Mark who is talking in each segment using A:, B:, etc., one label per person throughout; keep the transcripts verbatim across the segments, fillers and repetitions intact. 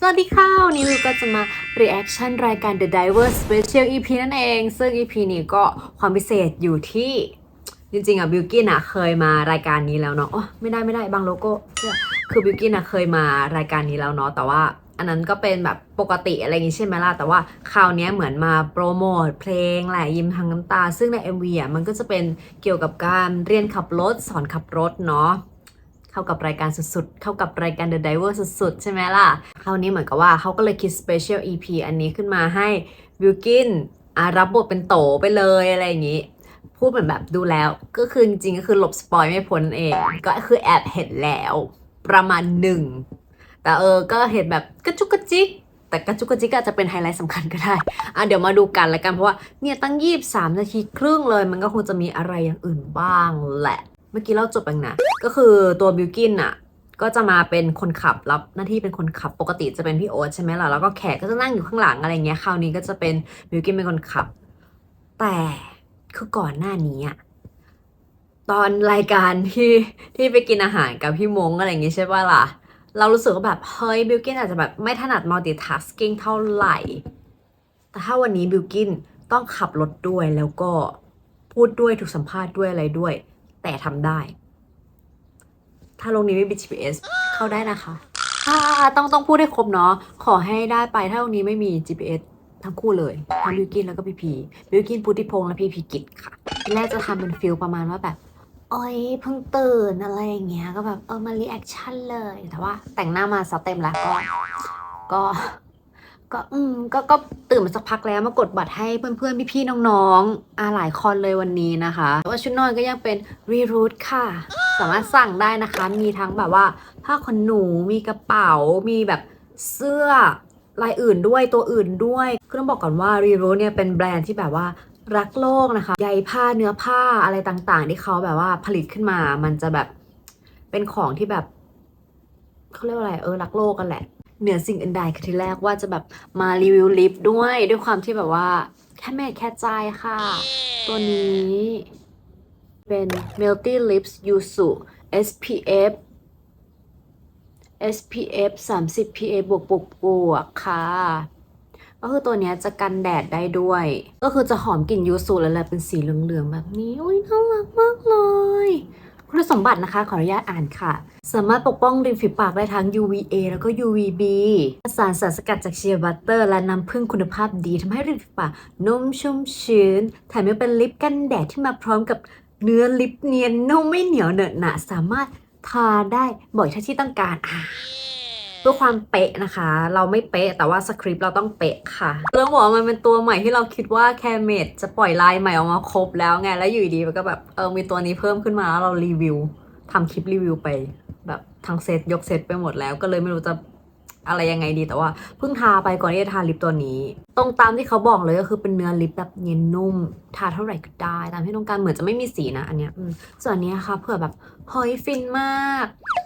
A: สวัสดีค่ะวันนี้วิวก็จะมา reaction รายการ The Divers Special อี พี นั่นเองซึ่ง อี พี นี้ก็ความพิเศษอยู่ที่จริงๆอ่ะบิวกิ้นอ่ะเคยมารายการนี้แล้วเนาะโอ้ไม่ได้ไม่ได้บางโลโก้คือบิวกิ้นอ่ะเคยมารายการนี้แล้วเนาะแต่ว่าอันนั้นก็เป็นแบบปกติอะไรอย่างงี้ใช่ไหมล่ะแต่ว่าคราวนี้เหมือนมาโปรโมทเพลงแหละยิ้มทั้งน้ำตาซึ่งใน เอ็ม วี อ่ะมันก็จะเป็นเกี่ยวกับการเรียนขับรถสอนขับรถเนาะเข้ากับรายการสุดๆเข้ากับรายการ The Diver สุดๆใช่ไหมล่ะคราวนี้เหมือนกับว่าเขาก็เลยคิด Special อี พี อันนี้ขึ้นมาให้บิวกินอ่ะรับบทเป็นโตไปเลยอะไรอย่างนี้พูดเหมือนแบบดูแล้วก็คือจริงๆก็คือหลบสปอยไม่พ้นเองก็คือแอบเห็นแล้วประมาณหนึ่งแต่เออก็เห็นแบบกระจุกกระจิกแต่กระจุกกระจิกอาจจะเป็นไฮไลท์สำคัญก็ได้อ่ะเดี๋ยวมาดูกันละกันเพราะว่าเนี่ยตั้งยี่สิบสามนาทีครึ่งเลยมันก็คงจะมีอะไรอย่างอื่นบ้างแหละเมื่อกี้เราจบไปนะก็คือตัวบิวกินอะก็จะมาเป็นคนขับรับหน้าที่เป็นคนขับปกติจะเป็นพี่โอ๊ตใช่ไหมล่ะแล้วก็แขกก็จะนั่งอยู่ข้างหลังอะไรเงี้ยคราวนี้ก็จะเป็นบิวกินเป็นคนขับแต่คือก่อนหน้านี้อะตอนรายการที่ที่ไปกินอาหารกับพี่มงอะไรอย่างงี้ใช่ป่ะล่ะเรารู้สึกว่าแบบเฮ้ยบิวกินอาจจะแบบไม่ถนัด multitasking เท่าไหร่แต่ถ้าวันนี้บิวกินต้องขับรถด้วยแล้วก็พูดด้วยถูกสัมภาษณ์ด้วยอะไรด้วยแต่ทำได้ถ้าโรงนี้ไม่มี จี พี เอส เข้าได้นะคะอ่าต้องต้องพูดให้ครบเนาะขอให้ได้ไปถ้าโรงนี้ไม่มี จี พี เอส ทั้งคู่เลยทั้งบิวกินแล้วก็พีพีบิวกินพุทธิพงษ์และพีพีกิจค่ะทีแรกจะทำเป็นฟิลประมาณว่าแบบโอ๊ยเพิ่งตื่นอะไรอย่างเงี้ยก็แบบเออมารีแอคชั่นเลยแต่ว่าแต่งหน้ามาซะเต็มแล้วก็ก็ก็อืมก็ก็ตื่นมาสักพักแล้วมากดบัตรให้เพื่อนๆพี่ๆน้องๆอาหลายคนเลยวันนี้นะคะแต่ว่าชุดนอนก็ยังเป็นรีรูทค่ะสามารถสั่งได้นะคะมีทั้งแบบว่าผ้าขนหนูมีกระเป๋ามีแบบเสื้อลายอื่นด้วยตัวอื่นด้วยคือต้องบอกก่อนว่ารีรูทเนี่ยเป็นแบรนด์ที่แบบว่ารักโลกนะคะใยผ้าเนื้อผ้าอะไรต่างๆที่เขาแบบว่าผลิตขึ้นมามันจะแบบเป็นของที่แบบเขาเรียกว่าอะไรเออรักโลกกันแหละเหนือสิ่งอื่นใดคือทีแรกว่าจะแบบมารีวิวลิปด้วยด้วยความที่แบบว่าแค่แม่แค่ใจค่ะตัวนี้เป็น Melty Lips Yuzu เอส พี เอฟ เอส พี เอฟ สามสิบ พี เอ บวกบวกบวกค่ะก็คือตัวนี้จะกันแดดได้ด้วยก็คือจะหอมกลิ่นยูสุแล้วแหละเป็นสีเหลืองๆแบบนี้อุ้ยน่ารักมากเลยคุณสมบัตินะคะขออนุญาตอ่านค่ะสามารถปกป้องริมฝีปากได้ทั้ง ยู วี เอ แล้วก็ ยู วี บี สารสารสกัดจากเชียร์บัตเตอร์และน้ำผึ้งคุณภาพดีทำให้ริมฝีปากนุ่มชุ่มชื้นแถมยังเป็นลิปกันแดดที่มาพร้อมกับเนื้อลิปเนียนนุ่มไม่เหนียวเหนอะหนะสามารถทาได้บ่อยเท่าที่ต้องการอ่ะเพื่อความเป๊ะนะคะเราไม่เป๊ะแต่ว่าสคริปต์เราต้องเป๊ะค่ะเรื่องบอกว่ามันเป็นตัวใหม่ที่เราคิดว่าแคเมดจะปล่อยลายใหม่ออกมาครบแล้วไงแล้วอยู่ดีมันก็แบบเออมีตัวนี้เพิ่มขึ้นมาแล้วเรารีวิวทำคลิปรีวิวไปแบบทั้งเซตยกเซตไปหมดแล้วก็เลยไม่รู้จะอะไรยังไงดีแต่ว่าเพิ่งทาไปก่อนที่จะทาลิปตัวนี้ตรงตามที่เขาบอกเลยก็คือเป็นเนื้อลิปแบบเนียนนุ่มทาเท่าไหร่ก็ได้ตามที่ต้องการเหมือนจะไม่มีสีนะอันเนี้ยส่วนนี้ค่ะเผื่อแบบเฮ้ยฟินมาก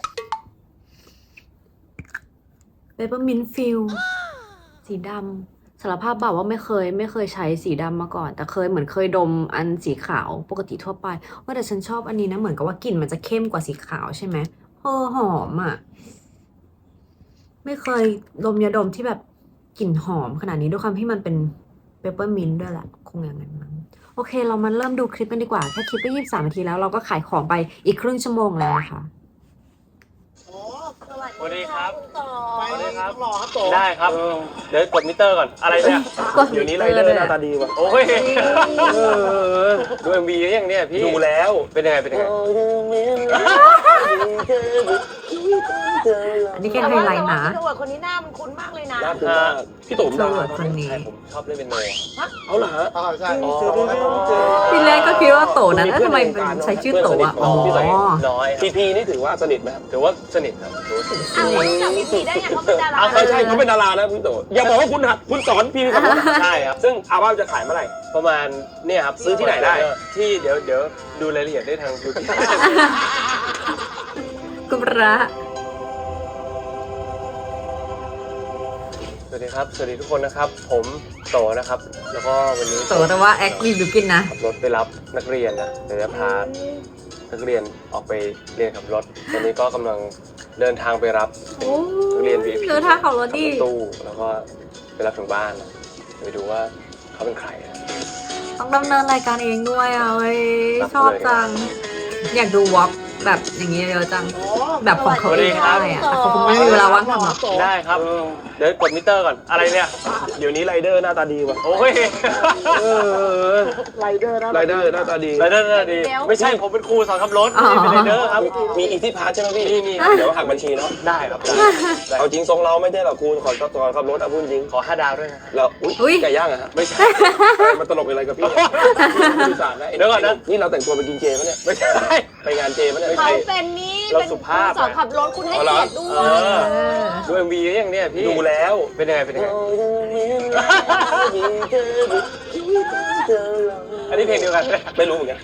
A: เปเปอร์มินต์ฟิลสีดำสารภาพบอกว่าไม่เคยไม่เคยใช้สีดำมาก่อนแต่เคยเหมือนเคยดมอันสีขาวปกติทั่วไปว่าแต่ฉันชอบอันนี้นะเหมือนกับว่ากลิ่นมันจะเข้มกว่าสีขาวใช่ไหมเออหอมอ่ะไม่เคยดมยาดมที่แบบกลิ่นหอมขนาดนี้ด้วยความที่มันเป็นเปเปอร์มินต์ด้วยแหละคงอย่างนั้นมั้งโอเคเรามาเริ่มดูคลิปกันดีกว่าแค่คลิปก็ยี่สิบสามนาทีแล้วเราก็ขายของไปอีกครึ่งชั่วโมงแล้วนะคะ
B: สวัสดีครับ
C: ไปเลยครับรอครับโต
B: ได้ครับ เดี๋ยวกดมิเตอร์ก่อน อะไรเนี่ย
A: เดี๋ยวนี้เลยหน้าตาดีว่ะ
B: โอ้ยดู เอ็ม วี ยังเนี่ยพี่
C: ดูแล้ว
B: เป็นยังไง เป็นยังไง
A: อันนี้แค่ไฮไลท์นะ
D: พี่ตำรวจคนนี้หน้ามันคุ้นมากเลยนะ
C: น่าตื่นมากพี่โตม
A: ตำ
C: ดาร
A: วจคนนี้
B: ใช่ผมชอบเล่นเป็นโน
C: เอาเหรอฮะ
E: อ๋อใช่
C: อ๋อ
A: ทีแรกก็คิดว่าโตนะแล้วทำไมเป็นใช้ชื่อโตอ่ะอ๋อ
B: น้อย
C: พีพีนี่ถือว่าสนิทไหมครับ
B: ถือว่าสนิทครับถือว่าสนิท
D: อ้าวรู้จักพี่พีได้ไงเขาเป็นดารา
C: อ่าใช่ใช่เขาเป็นดารานะพี่โตอย่าบอกว่าคุณหัดคุณสอนพีพีครับ
B: ใช่ครับ
C: ซึ่งอาบ้าจะขายเมื่อไหร่
B: ประมาณเนี่ยครับ
C: ซื้อที่ไหนได้
B: ที่เดี๋ยวเดี๋ยวดูรายละเอียดได้ทางยูทูบ
A: กุระ
B: สวัสดีครับ สวัสดีทุกคนนะครับ ผมโตนะครับ แล้วก็วันนี้
A: โตแต่ว่าแอคมีบิวกินนะ
B: ขับรถไปรับนักเรียนนะเดี๋ยวจะพานักเรียนออกไปเรียนขับรถตอนนี้ก็กำลังเดินทางไปรับนักเรียน วี ไอ พี
A: เดินทางขับรถดิ
B: ขับตู้แล้วก็ไปรับถึงบ้านไปดูว่าเขาเป็นใครนะ
A: ต้องดำเนินรายการเองด้วยอ่ะเว้ยชอบจัง อยากดูวอล์กแบบอย่างนี้เยอะจัง แบบของเขาเองได้อ่ะแต่เขาคงไม่มีเวลาว่างทำหรอก
B: ได้ครับเดี๋ยวกดมิเตอร์ก่อนอะไรเนี่ยเดี๋ยวนี้ไรเดอร์หน้าตาดีว่ะโอ้ย
C: ไรเดอร์ไรเดอร์หน้าตาดี
B: ไรเดอร์หน้าตาดีไม่ใช่ผมเป็นครูสอนขับรถไม่เป็นไรเดอร์ครับ
C: มีอีที่พาร์ทใช่ไหมพี่
B: มีมี
C: เดี๋ยวหักบัญชีเนาะ
B: ได้ครับได้
C: เอาจริงทรงเราไม่ได้หรอกครูขอสอนขับรถเอาพูดจริง
B: ขอห้าดาวด้วยนะ
C: แล้วอุ้ยไก่ย่างอะฮะ
B: ไม่ใช่
C: มันตลกอะไรกับพี่สื่อสารนะ
B: เดี๋ยวก่อนนะ
C: นี่เราแต่งตัวไปกินเจปะเนี่ย
B: ไม่ใช่
C: ไปงานเจปะเนี่ย
D: เขาเป็นนี้
B: เรา
D: เป็น
B: สุภาพ
D: สอนขับรถคุณให้เกียรติด้ว
B: เอย อดูเอ็มวีอย่างเนี้ยพี่
C: ดูแล้ว
B: เป็นยังไงเป็นยังไงอันนี้เพลงเดียวกัน
C: ไม่รู้เหมือนกัน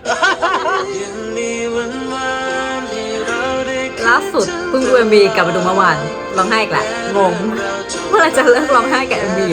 A: ล่าสุดเพิ่งดู เอ็ม วี กลับมาดูเมื่อวานร้องไห้อีกแหละงงเมื่อไหรจะเลิกร้องไห้กับ เอ็ม วี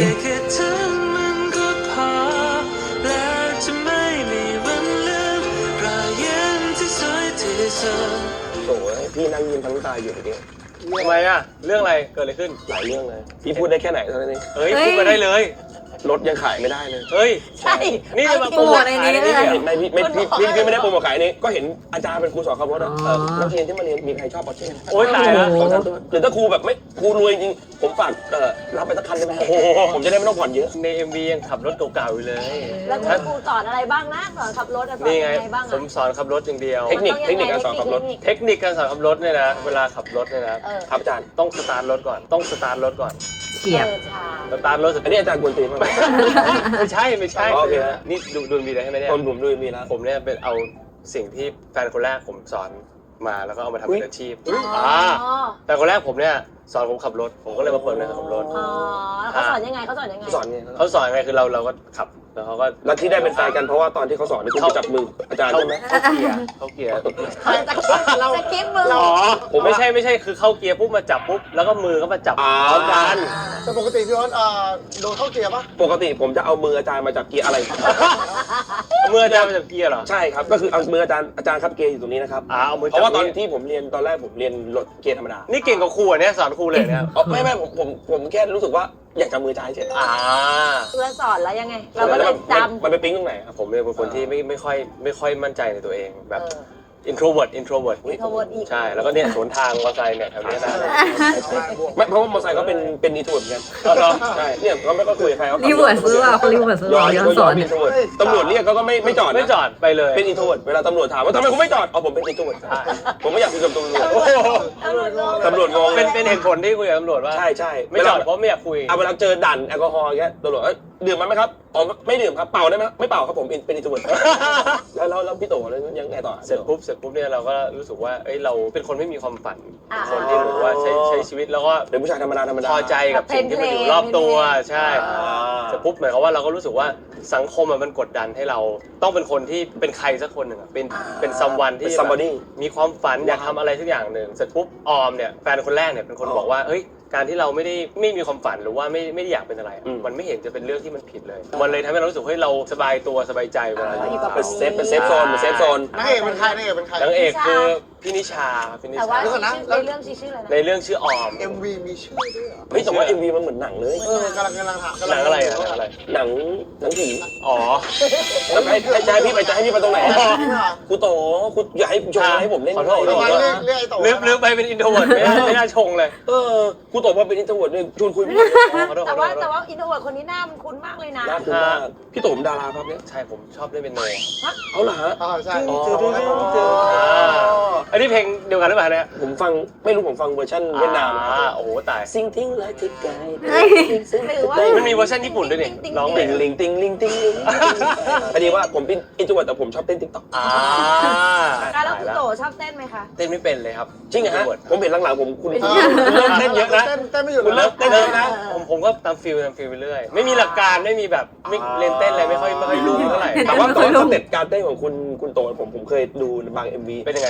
C: โอ้ยพี่นั่งยิ้มทั้งน้ำตาอยู่เมื่อกี้
B: ทำไมอ่ะเรื่องอะไรเกิดอะไรขึ้น
C: หลายเรื่องเลยพี่พูดได้แค่ไหนเท่านั้นเอง
B: เฮ้ยพูดมาได้เลย
C: รถยังขายไม่ได้เลย
B: เฮ้ย
D: ใช่
B: นี่จะมา
A: โปรโมทในนี้เลย
C: ไม่พี่ไม่พี่พี่พี่ไม่ได้โปรโมทขายนี้ก็เห็นอาจารย์เป็นครูสอนขับรถอะนักเรียนที่มาเรียนมีใครชอบปอร์เช่
B: โอ๊ยตายแล้ว
C: หรือถ้าครูแบบไม่ครูรวยจริงผมฝากเอ่อรับไปสักคันได้ไหมผมจะได้ไม่ต้องผ่อนเยอะ
B: ใน เอ็ม วี ยังขับรถเก่าๆอยู่เลย
D: แล้วคุณครูสอนอะไรบ้างนะสอนขับรถอะสอน
B: นี่
D: ยั
B: ไง
D: งไงบ้าง
B: ผมสอนขับรถอย่างเดียว
C: เทคนิคเทคนิคการสอนขับรถ
B: เทคนิคการสอนขับรถเนี่ยนะเวลาขับรถเนี่ยนะ
D: เออ
C: ครับอาจารย์
B: ต้องสตาร์ทรถก่อนต้องสตาร์ทรถก่อน
A: เฉียบ
D: เออชา
B: สตาร์ทรถเสร็จ
C: อันนี้อาจารย์กวนตีนมาก
B: ไม่ใช่ไม่ใช่
C: อ๋อโอเคฮะ
B: นี่ดูดูมีอะไรให้ไหมเนี่ย
C: คนผมด้วยมีแล้ว
B: ผมเนี่ยเป็นเอาสิ่งที่แฟนคนแรกผมสอนมาแล้วก็เอามาทำ
C: อุ๊ย
B: เป็นอาชีพ
D: อ๋อ
B: อ่าแฟนคนแรกผมเนี่ยสอนผมขับรถผมก็เลยมาเปิดเรียนขับรรถ
D: อ๋อแล้วเขาสอนยังไงเขาสอนยังไง
C: สอนไง
B: เขาสอนยังไงคือเราเราก็ขับแล้วเขาก็
C: แล้วที่ได้เป็นแฟนกันเพราะว่าตอนที่เขาสอนนี่คุณไปจับมืออาจารย์
B: เข้า
C: ใช่ไหม
B: เข้าเกียร์เข้าเกียร์
D: สคริปต์มือ
B: อ๋อผมไม่ใช่ไม่ใช่คือเข้าเกียร์ปุ๊บมาจับปุ๊บแล้วก็มือก็มาจับ
C: อ๋อ
B: พร้อมกัน
E: แต่ปกติพี่อ้นเอ่อโดนเข้าเกียร์ปะ
C: ปกติผมจะเอามืออาจารย์มาจับเกียร์อะไร
B: มืออาจารย์มาจับเกียร์เหรอ
C: ใช่ครับก็คือเอามืออาจารย์อาจารย์ครับเกียร์อยู่ตรงนี้นะครับ
B: อ่าเอามือ
C: เพ
B: จับ
C: ราะว่าตอน
B: นี่
C: ที่ผมเรียนตอนแรกผมเรียนรถเกียร์ธรรมดา
B: นี่เก่งกว่าครูอ่ะเนี่ยสอนครูเลยเนี่ย
C: อ๋อไม่ไม่ผมผมผมแค่รู้สึกว่าอยากจับมืออาจารย์เฉย
B: อ่า
D: เพื่อนสอนแล้วยังไง เราก็เลยจำ
C: มันไปปิ๊งตรงไหนครับ
B: ผมเนี่ยเป็นคนที่ไม่ไม่ค่อยไม่ค่อยมั่นใจในตัวเองแบบ
D: เออ
B: introvert introvert
D: โทรวนอีก
B: ใช่แล้วก็เนี่ยสวนทางมอเตอร์ไซค์เนี่ยแถวเนี้ยนะ
C: ไม่เพราะว่ามอเตอร์ไซค์เขาเป็นเป็นอีทูดเหมือนกันใช่เนี่ยเขาไม่ก็คุยกับใครเขา
A: รีเวิร์สซื้อว่าเขารีเวิร์สซื้อ
C: ย้อ
A: ว่าน ย้อนสอน
C: เป็นอินโทรเวิร์ตตำรวจเรียกเขาก็ไม่ไม่จอดนะ
B: ไม่จอดไปเลย
C: เป็นอินโทรเวิร์ตเวลาตำรวจถามว่าทำไมคุณไม่จอดอ๋อผมเป็นอินโทรเวิร์ต
B: ใช่
C: ผมไม่อยากคุยกับตำรวจ
B: โอ้โห
D: ตำรวจงง
C: ตำรวจงง
B: เป็นเป็นเหตุผลที่คุยกับตำรวจว่า
C: ใช่ใช่
B: ไม่จอดเพราะไม่อยากคุย
C: เอาเวลาเจอด่านแอลกอฮอล์อย่างเงี้ยตำรวจเอ้ยดื่มมันไหมครับอ๋อไม่ดื่มครับเป่าได้ไหมไม่เป่าครับผมเป็นเป็นอินโทรเวิร์ตแล้วแล้วแล้วพี่โตแล้วยังไงต่อ
B: เสร็จปุ๊บเสร็จปุ๊บเนี่ยเราก็รู้สึกว่าเอ้ยเราเป็นคนไม่มีความฝัน
D: อ่า
B: เป็นคนที่แบบว่าใช้ใช้ชีวิตแล้วก็
C: เป็นผู้ชายธรรมดาธรรมดา
B: พอใจกับสิ่งที่มันอยู่รอบตัวใช่เสร็จปุ๊บหมายความว่าเราก็รู้สึกว่าสังคมอะมันกดดันให้เราต้องเป็นคนที่เป็นใครสักคนหนึ่งอะเป็นเป็นซัมวันที่
C: เป็น somebody
B: มีความฝันอยากทำอะไรสักอย่างหนึ่งเสร็จปุ๊บออมเนี่ยแฟนคนแรกเนี่ยเป็นคนบอกว่าเฮ้ยการที่เราไม่ได้ไม่มีความฝันหรือว่าไม่ไม่ได้อยากเป็นอะไรอะ
C: อืม
B: มันไม่เห็นจะเป็นเรื่องที่มันผิดเลย มันเลยทำให้เรารู้สึกเฮ้ยเราสบายตัวสบายใจเวลาอยู่
C: เป็นเซฟเป็นเซฟโซนเป็นเซฟโซน
E: นางเอกเป็นใครนางเอกเป็นใคร
B: นางเอกคือพี่นิชาพี่นิ
D: แต่
B: ชา
D: ว่า
E: เดี๋ยวก่อนนะ
D: ในเรื่องชื่ออะไรนะ
B: ในเรื่องชื่อออม
E: เอ็มวีมีชื่อด้วยเหรอ
C: เฮ้ยแต่ว่า เอ็ม วี มันเหมือนหนังเลย
E: เออกำลังกำลังถามกำ
B: ห
E: ลั
B: นังอะไรอะหนังอะไร
C: หนังหนังผี
B: อ๋อ
C: แล้วให้ให้จะให้พี่ไปจะให้พี่ไปตรงไหนครูโตครูอย่าให้ชงให้ผมเล่น
B: ขอโทษ
E: ทำไมเรียกเรียกไอ้โต
B: ลืมลืมไปเป็นอินโทรเวิร์ดไม่น่าไม่น่าชงเลย
C: เออครูโตว่าเป็นอินโทรเวิร์ดเนี่ยชวนคุยไม่ได้
B: ขอโทษข
D: แต่
B: อโท
D: ว่า
B: ษ
D: แต่ว่าอินโทรเวิร์ดคนนี้หน้ามันคุ้นมากเลยนะ
C: น่าคุณมากพี่โตผมดาราครับเนี่ย
B: ใช่ผมชอบเล่นเป็นโน
C: เอาเหรอฮะ
E: อ่าใช่
C: อ๋อ
B: อ่าอันนี้เพลงเดียวกันหรือเปล่าเนี่ย
C: ผมฟังไม่รู้ผมฟังเวอร์ชันเวียดนาม
B: อ่าโอ้โหตาย
C: ซิงทิ้งเลยที่ไกล
D: หรือว่า
B: มันมีเวอร์ชันญี่ปุ่นด้วยนี่ร้องเพล
C: ติ
B: ง
C: งลิงติงลิงติงลิงพอดีว่าผมเป็นอินโทรเวิร์ดแต่ผมชอบเต้นติ๊กต็อก
B: อ่า
D: แล้วคุณโตชอบเต้นไหมคะ
B: เต้นไม่เป็นเลยครับ
C: จริงเหรอฮะผมเห็นหลังๆผมคุณ
E: เอ
C: คุณ
E: อ
C: เริ่มเต้นเยอะนะ
E: เต้นเต้นไม่หยุด
C: คุณ
E: เล
C: เริ่
E: ย
C: มเต้นเยอะนะ
B: ผมผมก็ตามฟิลตามฟิลไปเรื่อยไม่มีหลักการไม่มีแบบไม่เรียนเต้นอะไรไม่ค่อยไม่ค่อยรู้เท่าไหร่
C: แต่ว่าแต่ว่าสเต็ปการเต้นของคุณคุณโตผมผมเคยดูในบาง เอ็ม วี
B: เป็นยังไงเป็นยังไง
C: เหมือนใค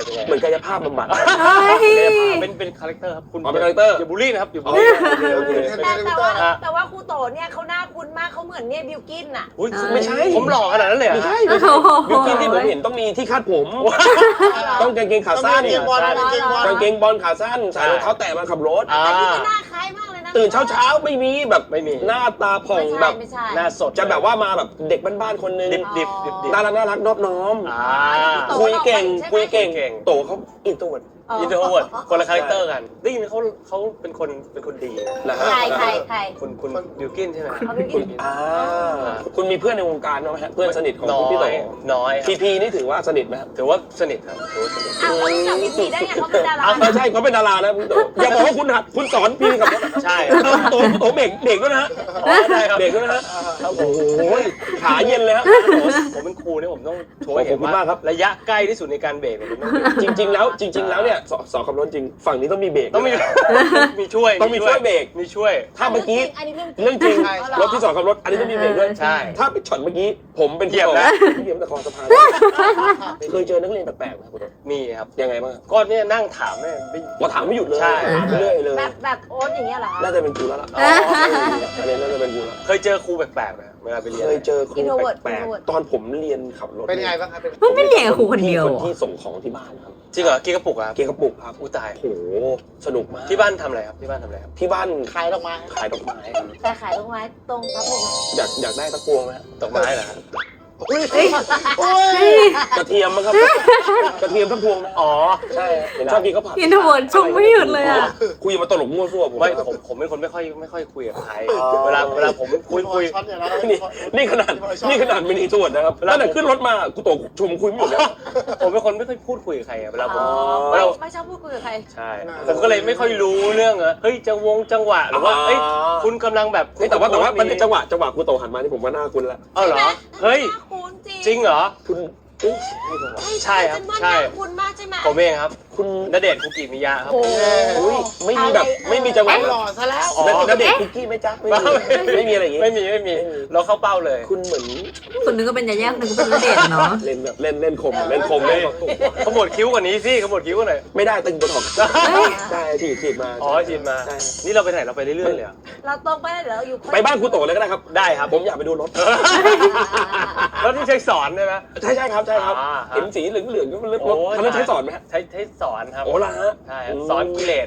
C: ายภาพบำบัด
A: เฮ้ย
B: เป็นเป็นคาแรคเตอร์ครับคุณ
C: อ๋อเป็นคาแรคเตอร์
B: อย่าบูลลี่นะครับอย่าบูล
C: โอ
B: ลี่
C: เคโอเคโอเค
D: แต่แต่ว่าแต่ว่าครูโตเนี่ยเขาหน้าคุ้นมากเขาเหมือนเนี่ยบิวกินอะ
B: อุ๊ย
C: ไม่ใช่
B: ผมหล่อขนาดนั้นเลยเหรอ
C: ไม่ใช่
A: โอ้
C: ไม่
A: โห
C: ใช่บิวกินที่ผมเห็นต้องมีที่คาดผม ต้องกางเกงขา
E: ต้อง
C: สั้น
E: มีเกงบอลนะเกงบอล
C: กางเกงบอลขาสั้นใส่รองเท้าแตะมาขับรถ
B: อ่า
D: แต่นี่ก็หน้าคล้ายมากเลยนะ
C: ตื่นเช้าเช้าๆไม่มีแบบ
B: ไม่มี
C: หน้าตาผ่อง
D: ไม่
C: แบ
D: ใช่
C: บ
D: ไม่ใช่
B: หน้าสด
C: จะแบบว่ามาแบบเด็กบ้านๆคนนึง
B: ดิบดิบดิบดิบ
C: น่ารักน่ารักนอบน้อม
B: อ่า
C: คุยเก่งคุยเก่ง
B: เก่ง
C: โตเขาอินโทรเวิร์ด
B: อินโทรเวิร์ดคนละคาแรคเตอร์กันได้ยินเขาเขาเป็นคนเป็นคนดีนะ
C: นะฮะ
D: ใครใครใคร
B: คุณคุณบิวกินใช่ไหม
D: เขาบิว
C: คุ
D: กิ
C: ณ
D: น
C: อ่าคุณมีเพื่อนในวงการบ้างไหมฮะเพื่อนสนิทของ
B: น้
C: คุณ
B: อ
C: พี่โต
B: ยน้อยค
C: พี
B: รับ
C: พีนี่ถือว่าสนิทไหมครับ
B: ถือว่าสนิทครับถือว่าสนิท
D: อ้าวเขารู้จักพี่พีได้ไงเขาเป็นดารา
C: อ้าวไม่ใช่เขาเป็นดารานะพี่โตอย่าบอกว่าคุณหัดคุณสอนพีกับรถ
B: ใช่
C: โตโตเบรกเบรกด้วยนะฮะ
B: อ๋อใช่ครับ
C: เบรกด้วยนะฮะ
B: ครับผ
C: โอ้
B: ม
C: โหขาเย็นเลยฮะ
B: ผมเป็นครูเนี่ยผมต้องโชว์ให้
C: ข
B: เห็
C: อบ
B: น
C: คุณ
B: ว่าม
C: ากครับ
B: ระยะใกล้ที่สุดในการเบรกเนี่ยผมต้องเบรก
C: จริง ๆ แล้วจริง ๆ แล้วเนี่ยสสอนขับรถจริงฝั่งนี้ต้องมีเบรก
B: ต้องมี มีช่วย
C: ต้องมีช่วยเบรก
B: มีช่วย
C: ถ้าเมื่อกี้
D: อันนี้เรื่องจริง
C: เรื่องจริง
D: ใช่
C: รถที่สอนขับรถอันนี้ต้องมีเบรกด้วย
B: ใช่
C: ถ้าไปช็อตเมื่อกี้ผมเป็น
B: เหยียบนะ
C: เหยียบตะคอสะพานเคยเจอนักเรียนแปลกๆไหมคุณโต
B: มีครับ
C: ยังไงบ้างครับ
B: ก็เนี่ยนั่งถามเนี่ยไม่
C: ว่าถามไม่หยุดเลย
B: ใช่
C: ถามไปเรื่อยเลย
D: แบบแบบโอ๊ตอย่างเงี้ยเหรอคะ
C: น่าจะเป็นกูแล้วล่ะ
B: อ๋อ
C: อันนี้น่าจะเป็นกูแล้ว
B: เคยเจอครูแปลกๆไหมเวลาไปเรียน
C: เคยเจอครู
D: Introvert
C: แปลก
D: Introvert
C: ๆตอนผมเรียนขับรถ
E: เป็นไงบ้างครับเป็น
A: มันไม่เรียนกับครูคนเดียว
C: คน
A: เหรอ
C: ที่ส่งของที่บ้านครับ
B: จริงเหรอกีกระปุกอะครับ
C: เกียร์กระปุกครับ
B: อู้ตาย
C: โอ้โหสนุกมาก
B: ที่บ้านทำอะไรครับที่บ้านทำอะไรครับ
C: ที่บ้าน
E: ขายดอกไม้
C: ขายดอกไม้ครับ
D: แต่ขายตรงไม้ตรงครับผม
C: อยากอยากได้ตะพวงไหมฮะ
B: ดอกไม้เหรอครับ
E: อุ้ย
A: เฮ้ย
E: อุ้ย
C: กระเทียมมั้งครับ กระเทียมตะพวงนะ
B: อ๋อ
C: ใช่ผมชอบกินข้าวผัด
A: อินโทรเวิร์ดชมไม่หยุดเลยอ่ะ
C: คุยมาตลกมั่วซั่วผม
B: ไม่ผมผมเป็นคนไม่ค่อยไม่ค่อยคุยกับใครเวลาเวลาผมคุยคุย
E: ช็อตเนี่ยนะ
C: นี่นี่ขนาดนี่ขนาดมินิทวดนะครับ
B: เวลา
C: ตั้งแต่ขึ้นรถมากูตกชมคุยไม่หยุดเลย
B: ผมเป็นคนไม่ค่อยพูดคุยกับใครอะเวลาผม
D: อ๋อ
B: เว
D: ไม่
B: ลา
D: ไม่ชอบพูดคุยกับใคร
B: ใช่ ผมก็เลยไม่ค่อยรู้เรื่องอะเฮ้ยจังวงจังหวะหรือว่า
C: อ๋อ
B: เอ้ยคุณกำลังแบบ
C: นี่แต่ว่าแต่ว่ามันเป็นจังหวะจังหวะกูโตหันมานี่ผมว่าหน้าคุณละ
B: เออเหรอเฮ้ย
D: หน้าคุ้นจริง
B: จริงเหรอ
C: คุณเอ๊ะ
B: ใช่ครับ
D: ฉันว่า
B: ใช่
D: หน้าคุ้นมากใช่ไหม
B: ผมเองครับ
C: คุณ
B: ณเดชน์คุกิมิยะครับ
D: โอ้โห
C: อุ้ยไม่มีแบบไม่มีจังหวะ
E: หล่อซะแล้ว
B: อ๋อ
C: แล้วเด็กคุกกี้ไหมจ๊ะไม่มีไม่มีอะไรอย่างงี้
B: ไม่มีไม่มีเราเข้าเป้าเลย
C: คุณเหมือน
A: คนนึงก็เป็นยาย่าคนนึงก็เป็นณเดชน์เนาะ
C: เล่นแบบเล่นเล่นคมเล่นคมเลย
B: ขมวดคิ้วกว่านี้สิขมวดคิ้วกว่าหน่อย
C: ไม่ได้ตึงบนหอกได้ฉีดฉีดมา
B: อ๋อจีนมา
C: ใช่
B: นี่เราไปไหนเราไปเรื่อยๆเลยเหรอ
D: เราตรงไปแล้วเดี๋ยวเราอยู่
C: ไปบ้านครูโตเลยก็ได้ครับ
B: ได้ครับ
C: ผมอยากไปดูรถ
B: แล้วที่ใช้สอนใช่ไหม
C: ใช่ใช่ครับใช่ครับ
B: อ่าฮะ
C: เห็นสีเหลืองเหลืองๆก็มันรถ
B: โอ้ย
C: คันนั้นใช้สอนไหมฮะ
B: ใช้ใช้สอนครับ
C: โอ้ล่ะฮะ
B: ใช่ครับสอนกิเลส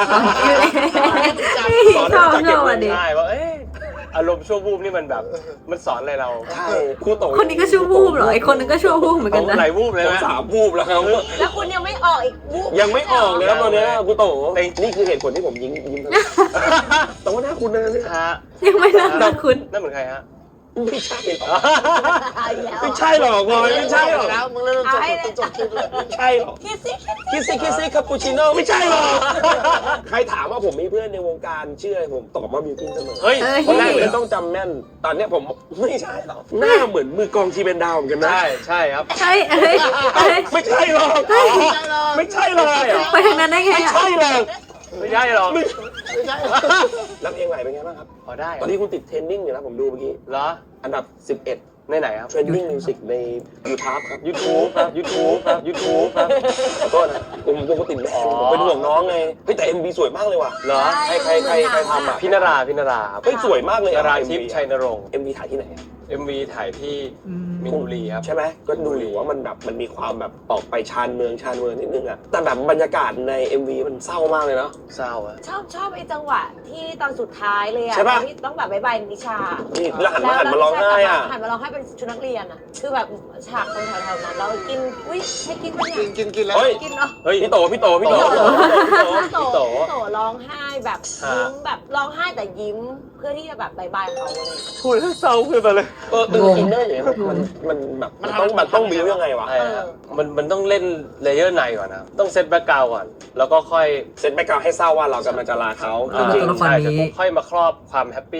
A: ชอบชอบอ่ะดิ
B: ใช่ว่าเอ๊ะอารมณ์ชั่ววูบนี่มันแบบมันสอนอะไรเรา
C: ใช่ครูโต
A: คนนี้ก็ชั่ววูบเหรอไอคนนึงก็ชั่ววูบเหมือนกันนะ
B: หลายวูบเลย
C: ผม
B: ไหม
C: สามวูบแล้วครับ
D: แล้วคุณยังไม่ออกอีกวูบ
C: ยังไม่ออกเลยครับตอนเนี้ยครูโต
B: แต่
C: นี่คือเหตุผลที่ผมยิ้มยิ้มทั้งแต่ว่าหน้าคุณนะเนี่ย
B: ฮะ
A: ยังไม่เลิกนะคุณ
B: นั่นเหมือนใครฮะ
C: ไม่ใช่หรอก
D: เอาอีกแล้ว
C: ไม่ใช่หรอกบอยไม่ใช่หรอก
E: แล้วมึงเริ่มจบจบจบคลิปเลย
C: ไม่ใช่หรอก
D: คิดสิคิด
C: คิสซี่คิสซี่คาปูชิโน่ไม่ใช่หรอกใครถามว่าผมมีเพื่อนในวงการชื่ออะไรผมตอบว่ามิวกินเสมอ
B: เฮ้ย
A: เอ้ย
C: คนแรกเลยต้องจำแม่น ตอนเนี้ยผมไม่ใช่หรอกหน้าเหมือนมือกลองทีเป็นดาวเหมือนกันนะ
B: ใช่ใช่ครับ
A: เฮ้ยเฮ้ยเฮ้ย
C: ไม่ใช่หรอก
E: ไม่ใช่หรอก
C: ไม่ใช่เลยอ่ะ
A: ไปทางนั้นได้ไง
C: ไม่
A: อ่ะ
C: ใช่หรอก
B: ไม่ใช่หรอก
C: ไม่
E: ไม่ใช่หรอก
C: แล้วเพลงใหม่เป็นไงบ้างครับ
B: พอได้
C: ตอนนี้คุณติดเทรนดิ้งอยู่นะผมดูเมื่อกี้
B: เหรอ
C: อันดับสิบเอ็ด
B: ในไหนครับ
C: เทรนดิ้งมิวสิกใน YouTube ครับ
B: YouTube ครับ YouTube ครับ YouTube ครับ
C: ขอโทษนะผมปกติแบงผมเป็นห่วงน้องไงเฮ้ยแต่ เอ็ม วี สวยมากเลยว่ะ
B: เหรอ
C: ใครใครใครใครทำอ่ะ
B: พินาราพินาราครับ
C: เฮ้ยสวยมากเลย
B: นา
C: อะ
B: รา
C: เอ็ม
B: ทิพ
C: วี
B: ย์ชัยนรงค์
C: เอ็มวีถ่ายที่ไหนอะ
B: เอ็มวีถ่ายที่มินบุรีครับ
C: ใช่ไหมก็ดูอยู่ว่ามันแบบมันมีความแบบออกไปชานเมืองชานเมืองนิดนึงอะแต่แบบบรรยากาศใน เอ็ม วี มันเศร้ามากเลยเนาะ
B: เศร้าอะ
D: ชอบชอบไอ้จังหวะที่ตอนสุดท้ายเลยอะ
C: ใช่ปะ
D: ที่ต้องแบบบายบายนิชา
C: นี่แล้วหันมาหันมาร้องไห้อะ
D: หันมาร้องไห้เป็นชุดนักเรียนอะคือแบบฉากตรงแถวๆนั้นเรากินอุ้ยให้กินปะเนี่
E: กิ
D: ย
E: นกินกินแล้ว
C: เฮ้ย
D: กินเนาะ
B: เฮ้ย
C: พี่โตพี่โตพี่โต
B: พี่
C: พี่
B: โต
C: โต
D: โตโตร้องไห้แบบ
B: ฮะ
D: ยิ้มแบบร้องไห้แต่ยิ้มเพื่อที่จะแบบบายบายเขาเลย
B: พูดแล้วเศร้าขึ้นมาเลย
C: เอออินอินเนอร์อย่างเงี้ยมันมันแบบมันต้องมันต้องบิวยังไงวะ
B: ใช่ครับมันมันต้องเล่นเลเยอร์ในก่อนนะ ต้องเซตแบ็กกราวด์ก่อน แล้วก็ค่อย
C: เซนแบ็กกราวด์ให้เศร้าว่าเรากำลังจะลาเขาจ
A: อ่า
C: ริง
A: ตัวละคร
B: ใช่
A: นี้
B: เสร็จปุ๊บค่อยมาครอบความแฮปปี้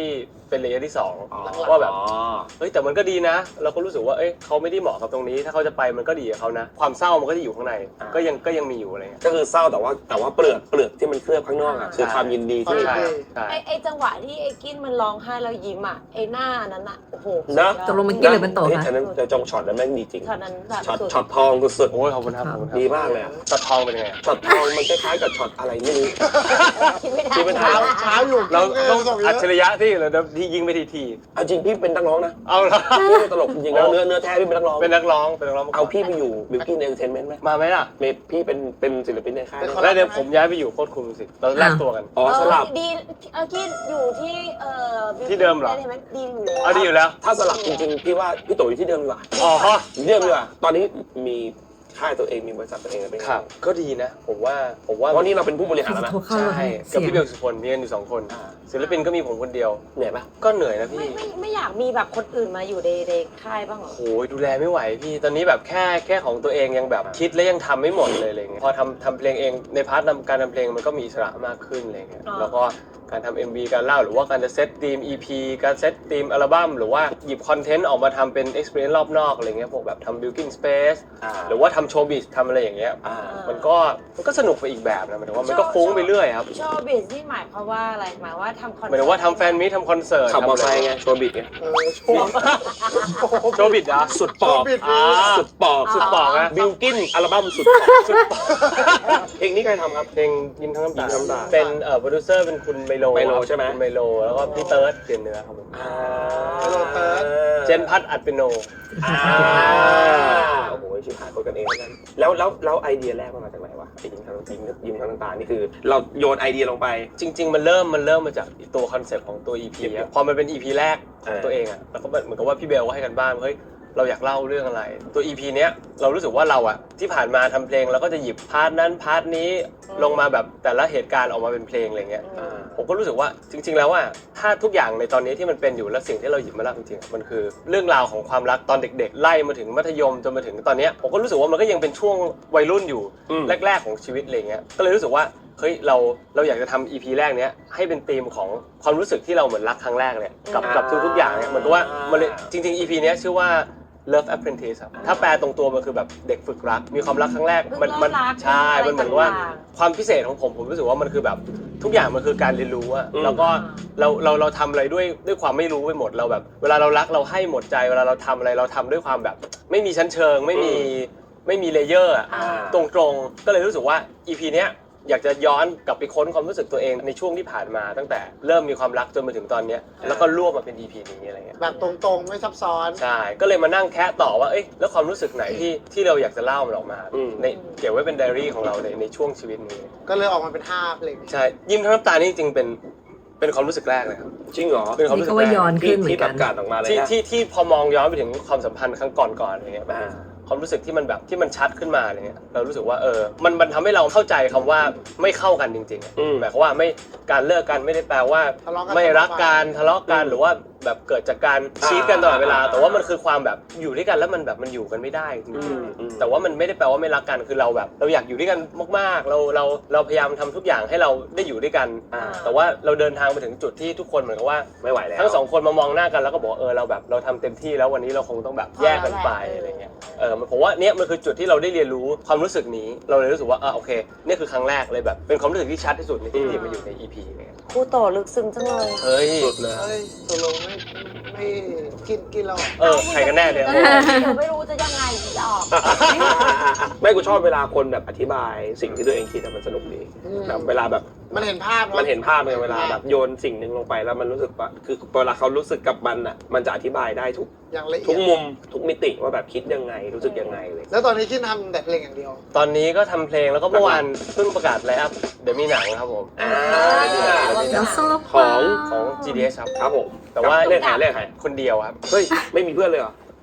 B: เป็นเลเยอร์ที่สอง
C: อ๋อ
B: ว่าแบบเฮ้ยแต่มันก็ดีนะ เราก็รู้สึกว่าเอ้ยเขาไม่ได้เหมาะกับตรงนี้ถ้าเขาจะไปมันก็ดีกับเขานะ ความเศร้ามันก็จะอยู่ข้างในก็ยังก็ยังมีอยู่อะไรเงี้ย
C: ก็คือเศร้าแต่ว่าแต่ว่าเปลือกเปลือกที่มันเคลือบข้างนอกอ่ะคือความยินดีที่
B: ใช่ใช่
D: ไอไอจังหวะที่ไอกินมันร้องไห้แล้วยิ้มอ่ะไอหน้านั้นอ่ะโอ้โห
C: นะ
A: ตกลงมันกินหรือมันโต
C: เฮ้ย
A: คะ
C: ฉะนั้นจะจงช็อตนั้นแม่งดีจริง
D: ช็อตนั้นแบบ
C: ช็อต
D: สุด
C: ช็อตทองสุด
B: โอ้ยขอบคุณครับขอบคุณค
C: ๆ
B: รับ
C: ดีมากเลยอะ
B: ช็อตทองเป็นยังไงอะ
C: ช็อตทองมันคล้ายๆกับช็อตอะไรไม่รู้
D: คิดไม่ทั
C: คิดไม่
D: น
C: ทั
E: เช้าเช้าอยู่
B: เรา
E: กิน
B: ต้อง
E: ส่งเย
B: อัจ
E: อะ
B: ฉริยะที่เราที่ยิงไปทีที
C: เอาจริงพี่เป็นนักร้องนะ
B: เอาละ
C: พี่เป็นตลกจริงๆแล้วเนื้อเนื้อแท้พี่เป็นนักร้อง
B: เป็นนักร้องเป็นนักร้องมก่น
C: เอาพี่ไปอยู่บิวกิ้นเอนเตอร์เทนเมนต์ไหม
B: มาไหมล่ะ
C: เมย์พี่เป็นเป็นศิลปินในค่าย
E: เป็นคน
B: แล้วเดี๋ยวผมย้ายไปอยู่โคตรคุมสิเราแลกตัวกัน
C: อ๋อสลับ
D: เออดีเออกินอยู่ที่เอ่อ
B: ที่เดิมเหรอ
D: ใช่ไหมดีอยู่แล้ว
B: เอาดีอยู่แล้ว
C: ถ้าสลับจริงๆพี่ว่าพี่โตอยู่ที่เดิมดีกว่า
B: อ๋อ
C: อยู่ที่เดิมดีกว่าตอนนี้มีค่ายตัวเองมีบริษัทตัวเองเป็นไง
B: ครับก็ดีนะ ผมว่าผมว่า
C: เพราะนี่เราเป็นผู้บริหารแล้วนะ
A: โทรเข้ามา
B: ใช่
A: เสี
B: กับ
A: ยง
B: พี่เบลสุพลมีกันอยู่สองคน
C: อ่า
B: ศิลปินก็มีผมคนเดียว
C: เหนื่อยปะ
B: ก็เหนื่อยนะ
D: ไม่
B: พี่
D: ไม่ไม่อยากมีแบบคนอื่นมาอยู่ในในค่ายบ้างเหรอ
B: โอ้ยดูแลไม่ไหวพี่ตอนนี้แบบแค่แค่ของตัวเองยังแบบคิดและยังทำไม่หมดเลยอะไรเงี้ยพอทำทำเพลงเองในพาร์ทนำการทำเพลงมันก็มีอิสระมากขึ้นอะไรเงี้ย
D: อ่า
B: แล้วก็การทำ เอ็ม วี การเล่าหรือว่าการจะเซตธีม อี พี การเซตธีมอัลบั้มหรือว่าหยิบคอนเทนต์ออกมาทำเป็น experience รอบนอกอะไรเงี้ยพวกแบบทำ building space
C: อ่า
B: หรือว่าทำโชว์บิสทำอะไรอย่างเงี้ย
C: อ่า
B: มันก็มันก็สนุกไปอีกแบบนะหมายถึงว่ามันก็ฟุ้งไปเรื่อยครับ
D: โชว์บิสนี่หมายความว่าอะไรหมายว่าทำคอน
B: หมายถึงว่าทำแฟนมีตทำคอนเสิร์ต
C: ขับมอเตอร์ไซค์ไงโชว์บิดไง
E: เออโชว์
B: โชว์บิดเหรอ
C: สุดปอก
E: โชว์บิด
B: อ่า
C: สุดปอก
B: สุดปอกนะ
C: บิลกินอัลบั้มสุดปอกสุดปอกเพลงนี้ใครทำครับ
B: เพลงยิ้มทั้งน้ำตา
C: ยิ้มทั้งน้ำตา
B: เป็นเอ่อโปรดิวเซอร์เป็นคุณไมโล
C: ไมโล
B: ครับ
C: ใช่ไหม
B: คุณไมโลแล้วก็พี่เติร์ดเปลี่ยนเนื้อครับผม
C: อ่า
E: โรเติร์ด
B: เจนพัดอัดเปียโน
C: อ่าโอ้โหชิบหายคนกันเองแล้วกันแล้วแล้วแล้วไอเดียแรกมันมาจากไหนวะไอ้ยิ้มทั้งยิ้มยิ้มทั้งน้ำตานี่คือ เราโยนไอเดียลงไป
B: จริง ๆ มันเริ่มมันเริ่มมาจากตัวคอนเซ็ปต์ของตัว อี พี อะพอมันเป็น อี พี แรกของ
C: เออ
B: ตัวเองอะแล้วก็เหมือนกับว่าพี่เบลก็ให้กันบ้านว่าเฮ้ยเราอยากเล่าเรื่องอะไร ตัว อี พี เนี้ยเรารู้สึกว่าเราอะที่ผ่านมาทำเพลงเราก็จะหยิบพาร์ทนั้นพาร์ทนี้ลงมาแบบแต่ละเหตุการณ์ออกมาเป็นเพลงอะไรเงี้ย
C: อ่า
B: ผมก็รู้สึกว่าจริง ๆ แล้วว่าถ้าทุกอย่างในตอนนี้ที่มันเป็นอยู่และสิ่งที่เราหยิบมาเล่าจริงๆมันคือเรื่องราวของความรักตอนเด็กๆ ไล่มาถึงมัธยมจนมาถึงตอนเนี้ยผมก็รู้สึกว่ามันก็ยังเป็นช่วงวัยรุ่นอยู่
C: อืม
B: แรกๆของชีวิตอะไรเงี้ยก็เลยรู้สึกว่าเฮ้ยเราเราอยากจะทำ อี พี แรกเนี้ยให้เป็นธีมของความรู้สึกที่เราเหมือนรักครั้งแรกเลยกับกับทุกๆอย่างเนี่ยเหมือนกับว่ามันเลยจริงๆ อี พี เนี้ยชื่อว่า Love Apprentice ครับถ้าแปลตรงตัวมันคือแบบเด็กฝึกรักมีความรักครั้งแรกมันมันใช่มันเหมือนว่า ความพิเศษของผมผมรู้สึกว่ามันคือแบบทุกอย่างมันคือการเรียนรู้อะ
C: อืม
B: แล้วก็เราเราเราทำอะไรด้วยด้วยความไม่รู้ไปหมดเราแบบ เวลาเรารักเราให้หมดใจเวลาเราทำอะไรเราทำด้วยความแบบ ไม่มีชั้นเชิงไม่มีไม่มีเลเยอร์อะ
C: อ่า
B: ตรงๆก็เลยรู้สึกว่า อี พี เนี้ยอยากจะย้อนกลับไปค้นความรู้สึกตัวเองในช่วงที่ผ่านมา ตั้งแต่เริ่มมีความรักจนมาถึงตอนเนี้ยแล้วก็รวบมาเป็น อี พี นี้อะไรเงี้ย
E: แบบตรงๆไม่ซับซ้อน
B: ใช่ก็เลยมานั่งแคะต่อว่าเอ้ยแล้วความรู้สึกไหนที่ที่เราอยากจะเล่ามันออกมา
C: อืม
B: ในเก็บไว้เป็นไดอารี่ของเราในในช่วงชีวิตนี้
E: ก็เลยออกมาเป็นห้าเพลง
B: ใช่ยิ้มทั้งน้ำตานี่จริงๆเป็นเป็นความรู้สึกแรกเลยครับ
C: จริงเหรอ
B: เป็นความ
A: นี่
B: รู้สึ
A: ก็
B: ก
A: ว่า
B: แรก
A: ย้อน
C: ที่
A: ขึ้นเหมือ
C: ที่
A: น
C: แบ
A: กับ น
C: การออกมาเลย
B: ที่
C: นะ
B: ที่ที่พอมองย้อนไปถึงความสัมพันธ์ครั้งก่อนๆอะไรเงี้ยแบบ
C: อ่า
B: ความรู้สึกที่มันแบบที่มันชัดขึ้นมาอะไรเงี้ยเรารู้สึกว่าเออมันมันทำให้เราเข้าใจคำว่าไม่เข้ากันจริงๆอะ
C: อืม
B: หมายความว่าไม่การเลิกกันไม่ได้แปลว่า
E: ทะเลาะกัน
B: ไม่รักกันทะเลาะกันหรือว่าแบบเกิดจากการชีทกันตลอดเวลา แต่ว่ามันคือความแบบอยู่ด้วยกันแล้วมันแบบมันอยู่กันไม่ได้จริง
C: อืม
B: ๆ
C: อืม
B: แต่ว่ามันไม่ได้แปลว่าไม่รักกันคือเราแบบ เราอยากอยู่ด้วยกันมากๆ เราเราเราพยายามทำทุกอย่างให้เราได้อยู่ด้วยกัน
C: อ่า
B: แต่ว่าเราเดินทางไปถึงจุดที่ทุกคนเหมือนกับว่า
C: ไม่ไหวแล้ว
B: ทั้งสองคนมามองหน้ากันแล้วก็บอกเออเราแบบเราทำเต็มที่แล้ววันนี้เราคงต้องแบบแยกกันไปอะไรเงี้ยเออผมว่าเนี่ยมันคือจุดที่เราได้เรียนรู้ความรู้สึกนี้เราเลยรู้สึกว่าอ่ะโอเคนี่คือครั้งแรกเลยแบบเป็นความรู้สึกที่ชัดที่สุดในที่ที่มาอยู่ใน อี พี เนี่ย
D: ครูโตลึกซึ้งจังเลย
B: เฮ้ย
C: สุดเลย
E: เฮ้ยตกลงไม่ไม่กินกินแล้วเหรอ
B: เออใครกันแน่เนี่ย
D: เดี๋ยวไม่รู้จะยังไงจะออก
C: ไม่กูชอบเวลาคนแบบอธิบายสิ่งที่ตัวเองคิดอะมันสนุกดี
E: อืม
C: แบบเวลาแบบ
E: มันเห็นภาพอะ
C: มันเห็นภาพเลยเวลาแบบโยนสิ่งหนึ่งลงไปแล้วมันรู้สึกว่าคือเวลาเขารู้สึกกับมันอ่ะมันจะอธิบายได้ทุก
E: อย่างละเอี
C: ทุ
E: ย
C: ก
E: ด
C: มุมทุกมิติว่าแบบคิดยังไงรู้สึกยังไงเลย
E: แล้วตอนนี้กินทำแต่เพลงอย่างเดียว
B: ตอนนี้ก็ทำเพลงแล้วก็เมื่อวานเพิ่งประกาศไลฟ์อัพเดี๋ยวมีหนังครับผม
C: อ่า
A: แล้วโซ่
C: ของ
B: ของ จี ดี เอส ครับ
C: ครับผม
B: แต่ว่า
C: เล่นใครเล่นใคร
B: คนเดียวครับ
C: เฮ้ยไม่มีเพื่อนเลยเหรอ